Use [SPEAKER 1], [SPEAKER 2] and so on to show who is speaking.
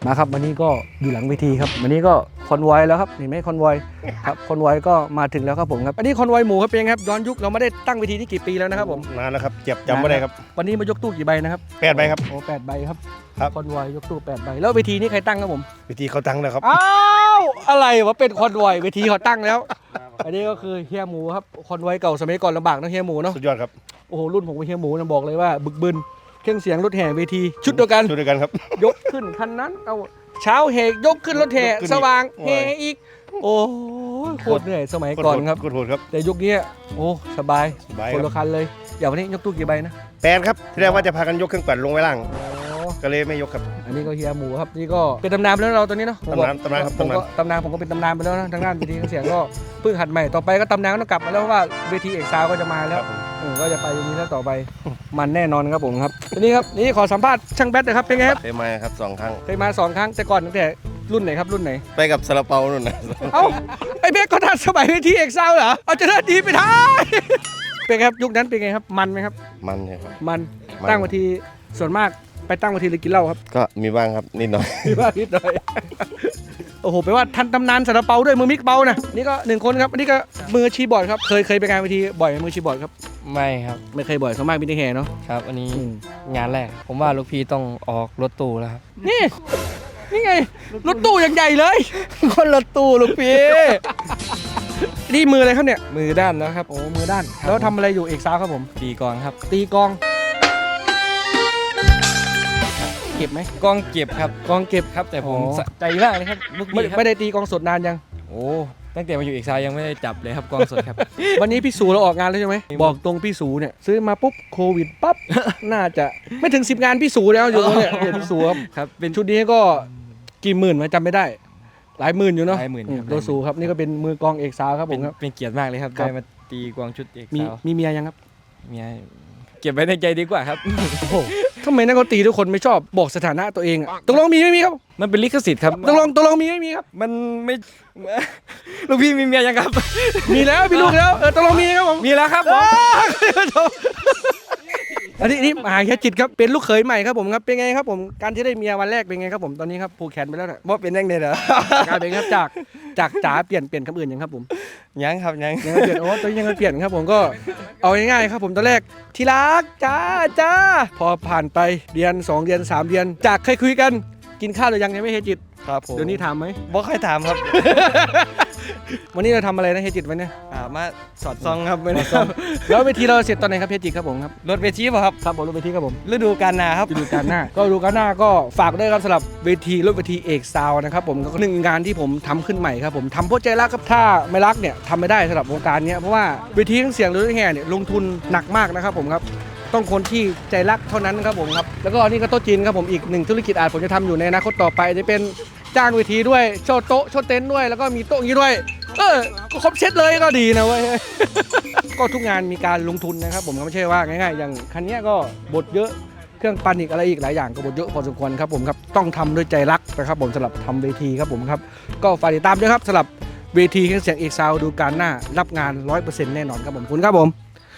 [SPEAKER 1] มาครับวันนี้ก็อยู่หลังเวทีครับวันนี้ก็คอนวอยแล้วครับเห็นไหมคอนวอยครับคอนวอยก็มาถึงแล้วครับผมครับอันนี้คอนวอยหมูครับเป็นไงครับย้อนยุคเราไม่ได้ตั้งเวทีนี่กี่ปีแล้วนะครับผม
[SPEAKER 2] นานแล้วครับเจ็บจำไม่ได้ครับ
[SPEAKER 1] วันนี้มายกตู้กี่ใบนะครับ
[SPEAKER 2] 8 ใบครับ
[SPEAKER 1] โอ้8 ใบครับ
[SPEAKER 2] ครับ
[SPEAKER 1] คอนวอยยกตู้8 ใบแล้วเวทีนี้ใครตั้งครับผม
[SPEAKER 2] วิธีเขาตั้งแล้วครับ
[SPEAKER 1] อ้าวอะไรวะเป็นคอนวอยเวทีเขาตั้งแล้วอันนี้ก็คือเฮียหมูครับคอนวอยเก่าสมัยก่อนลำบากนะเฮียหมูเนาะ
[SPEAKER 2] สุดยอดครับ
[SPEAKER 1] โอ้โหรุ่นผมกับเฮียหมูนะบอกเลยว่าบึกบึนเครื่องเสียงรถแห่เวทีชุดเดียวกัน
[SPEAKER 2] ครับ
[SPEAKER 1] ยกขึ้นคันนั้นเอาเช้าเฮกยกขึ้นรถแห่สว่างเฮอีกโอ้โคตรเหนื่อยสมัยก่อนครับ
[SPEAKER 2] โหดครับ
[SPEAKER 1] แต่ยุคนี้โอ้สบายคนละคันเลยอย่างวันนี้ยกตู้กี่ใบนะ
[SPEAKER 2] 8ครับที่แรกว่าจะพากันยกเครื่องปั่นลงไว้ล่างก็เลยไม่ยกครับ
[SPEAKER 1] อันนี้ก็เฮียหมูครับนี่ก็เป็นตำนานไปแล้วเราตอนนี้เนาะ
[SPEAKER 2] ตำนานครับ
[SPEAKER 1] ตำนานผมก็เป็นตำนานไปแล้วนะทางด้านเวทีเสียงก็เพิ่งหัดใหม่ต่อไปก็ตำนานก็ต้องกลับมาแล้วว่าเวทีเอกซาวก็จะมาแล้วก็จะไปอย่างนี้แล้วต่อไปมันแน่นอนครับผมครับทีนี้ครับนี่ขอสัมภาษณ์ช่างแบทนะครับเป็นไงครับ
[SPEAKER 2] เคยมาครับ2 ครั้ง
[SPEAKER 1] เคยมา2 ครั้งแต่ก่อนตั้งแต่รุ่นไหนครับรุ่นไหน
[SPEAKER 2] ไปกับซาลาเปานู่นนะ
[SPEAKER 1] เอ้าไอ้เบกก็ทันสมัยเวทีเอกซาวเหรอเอาจะเลิศดีไปท้ายเป็นครับยุคนั้นเป็นไงครับมันไหมครับ
[SPEAKER 2] มันครับ
[SPEAKER 1] มันตั้งเวทีส่วนมากไปตั้งเวทีเลยกินเหล้าครับ
[SPEAKER 2] ก็มีบ้างครับนิดหน่อย
[SPEAKER 1] มีบ้างนิดหน่อยโอ้โหแปลว่าทันตำนานซาลาเปาด้วยมือมิกเปานะนี่ก็1 คนครับอันนี้ก็มือชีบอร์ดครับเคยไปงานเวทีบ่อยมือชีบอร์ดครับ
[SPEAKER 3] ไม่ครับ
[SPEAKER 1] ไม่เคยบ่อยส่วนมากมีแต่แห่เนาะ
[SPEAKER 3] ครับอันนี้งานแรกผมว่าลูกพี่ต้องออกรถตู้แล้วครับ
[SPEAKER 1] นี่ไงรถตู้อย่างใหญ่เลย
[SPEAKER 3] คนรถตู้ลูกพี่
[SPEAKER 1] นี่มืออะไรครับเนี่ย
[SPEAKER 3] มือด้านนะครับ
[SPEAKER 1] โอ้มือด้านแล้วทำอะไรอยู่เอกซาวครับผม
[SPEAKER 3] ตีกลองครับ
[SPEAKER 1] ตีกลองเก็บไหม
[SPEAKER 3] กลองเก็บครับ
[SPEAKER 1] กลองเก็บ
[SPEAKER 3] ครับแต่ผมใจมากเลยครับลูกพี่
[SPEAKER 1] ไม่ได้ตีกลองสดนานยัง
[SPEAKER 3] โอ้ตั้งแต่มาอยู่เอกซาวยังไม่ได้จับเลยครับกลองสดครับ
[SPEAKER 1] วันนี้พี่สูเราออกงานแล้วใช่ไหมบอกตรงพี่สูเนี่ยซื้อมาปุ๊บโควิดปั๊บ น่าจะไม่ถึง10 งานพี่สูแล้วอยู่เนี่ยพี่สูครับเป็นชุดนี้ก็กี่หมื่นมาจำไม่ได้หลายหมื่นอยู่เนาะ
[SPEAKER 3] หลายหมื่น
[SPEAKER 1] โดสูครับนี่ก็เป็นมือกลองเอกซาวครับผมครับ
[SPEAKER 3] เป็นเกียรติมากเลยครับได้มาตีกลองชุดเอกซาว
[SPEAKER 1] มีเมียยังครับ
[SPEAKER 3] เมียเก็บไว้ในใจดีกว่าครับ
[SPEAKER 1] โอ้โหทำไมนักดนตรีทุกคนไม่ชอบบอกสถานะตัวเองอะตกลงมีไม่มีครับ
[SPEAKER 3] มันเป็นลิขสิทธิ์ครับ
[SPEAKER 1] ตกลงมีไม่มีครับ
[SPEAKER 3] มันไม่ลูกพี่มีเมียยังครับ
[SPEAKER 1] มีแล้วมีลูกแล้วตกลงมีครับผม
[SPEAKER 3] มีแล้วครับ
[SPEAKER 1] อันนี้มหาแค่จิตครับเป็นลูกเขยใหม่ครับผมครับเป็นไงครับผมการที่ได้เมียวันแรกเป็นไงครับผมตอนนี้ครับผูกแขนไปแล้วนะ
[SPEAKER 3] ว่าเป็นยังไงเหรอ
[SPEAKER 1] การเป็นครับจากจ๋าเปลี่ยนคำอื่นยังครับผม
[SPEAKER 3] ยังครับยัง
[SPEAKER 1] เปลี่ยนโอ้ตอนนี้ยังเปลี่ยนครับผมก็เอาง่ายๆครับผมตอนแรกที่รักจ้าพอผ่านไปเดือน2 เดือน3 เดือนจากเคยคุยกันกินข้าวหรือยังไม่เฮจิต
[SPEAKER 3] ครับผม
[SPEAKER 1] เดี๋ยวนี้ถามไหม
[SPEAKER 3] บ่ค่อยถามครับ
[SPEAKER 1] วันนี้เราทำอะไรนะเฮจิตวันนี้
[SPEAKER 3] มาสอดซองครับไม่
[SPEAKER 1] ได้แล้วเวทีเราเสร็จตอนไหนครับเฮจิตครับผมครับ
[SPEAKER 3] รถเวทีป่ะครับ
[SPEAKER 1] ครับผมรถเวทีครับผม
[SPEAKER 3] ฤดูกาลหน้าครับ
[SPEAKER 1] ฤดูกาลหน้าก็ฝากด้วยครับสำหรับเวทีรถเวทีเอกซาวนะครับผมก็1 งานที่ผมทำขึ้นใหม่ครับผมทำเพราะใจรักครับถ้าไม่รักเนี่ยทำไม่ได้สำหรับวงการนี้เพราะว่าเวทีเสียงรถแห่เนี่ยลงทุนหนักมากนะครับผมครับต้องคนที่ใจรักเท่านั้นครับผมครับแล้วก็นี่ก็โต๊ะจีนครับผมอีก1 ธุรกิจอาจผมจะทำอยู่ในอนาคตต่อไปจะเป็นจ้างเวทีด้วยโชว์โต๊ะโชว์เต็นท์ด้วยแล้วก็มีโต๊ะอย่างนี้ด้วยก็ครบเซตเลยก็ดีนะเว้ย ก็ทุกงานมีการลงทุนนะครับผมก็ไม่ใช่ว่าง่ายๆอย่างคันนี้ก็บทเยอะเครื่องปั่นอีกอะไรอีกหลายอย่างก็บทเยอะพอสมควรครับผมครับต้องทำด้วยใจรักนะครับผมสำหรับทำเวทีครับผมครับก็ฝากติดตามด้วยครับสำหรับเวทีเครื่องเสียงเอกซาวดูการหน้ารับงาน 100% แน่นอนครับผมคุณครับผม